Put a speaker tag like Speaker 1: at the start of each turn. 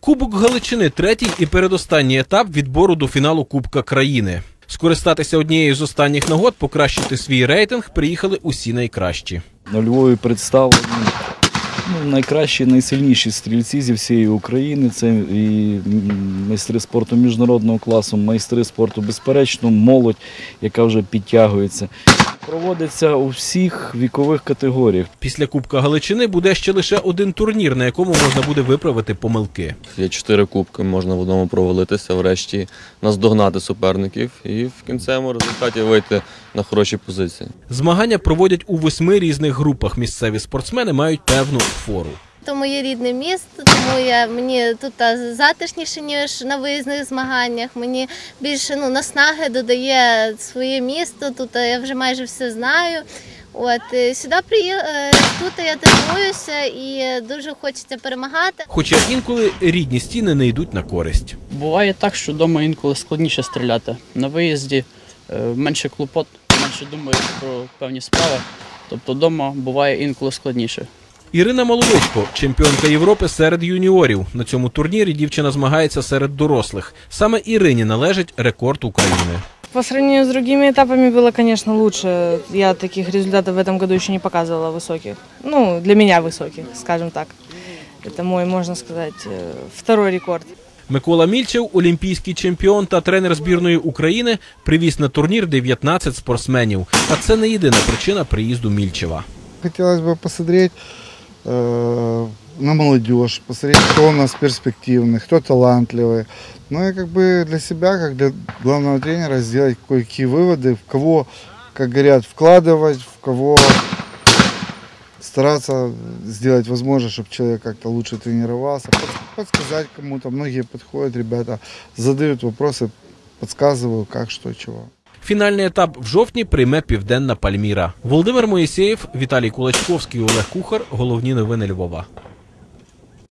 Speaker 1: Кубок Галичини – третій і передостанній етап відбору до фіналу Кубка країни. Скористатися однією з останніх нагод, покращити свій рейтинг приїхали усі найкращі.
Speaker 2: На Львові представлені найкращі, найсильніші стрільці зі всієї України. Це і майстри спорту міжнародного класу, майстри спорту, безперечно, молодь, яка вже підтягується. Проводиться у всіх вікових категоріях.
Speaker 1: Після Кубка Галичини буде ще лише один турнір, на якому можна буде виправити помилки.
Speaker 3: Є 4 кубки, можна в одному провалитися, врешті наздогнати суперників і в кінцевому результаті вийти на хороші позиції.
Speaker 1: Змагання проводять у 8 різних групах. Місцеві спортсмени мають певну фору.
Speaker 4: Це моє рідне місто, тому мені тут затишніше, ніж на виїзних змаганнях. Мені більше наснаги додає своє місто, тут я вже майже все знаю. Сюди тут я тренуюся і дуже хочеться перемагати.
Speaker 1: Хоча інколи рідні стіни не йдуть на користь.
Speaker 5: Буває так, що вдома інколи складніше стріляти. На виїзді менше клопот, менше думаєш про певні справи, тобто вдома буває інколи складніше.
Speaker 1: Ірина Маловичко – чемпіонка Європи серед юніорів. На цьому турнірі дівчина змагається серед дорослих. Саме Ірині належить рекорд України.
Speaker 6: По сравнению с другими этапами было, конечно, лучше. Я таких результатов в этом году еще не показывала высоких. Для меня высоких, скажем так. Это мой, можно сказать, второй рекорд.
Speaker 1: Микола Мільчев – олімпійський чемпіон та тренер збірної України, привіз на турнір 19 спортсменів. А це не єдина причина приїзду Мільчева.
Speaker 7: Хотелось бы посмотреть на молодежь, посмотреть, кто у нас перспективный, кто талантливый. Ну и для себя, как для главного тренера, сделать кое-какие выводы, в кого, как говорят, вкладывать, в кого стараться сделать возможно, чтобы человек как-то лучше тренировался, подсказать кому-то. Многие подходят, ребята задают вопросы, подсказываю, как, что, чего.
Speaker 1: Фінальний етап в жовтні прийме Південна Пальміра. Володимир Моїсеєв, Віталій Кулачковський, Олег Кухар. Головні новини Львова.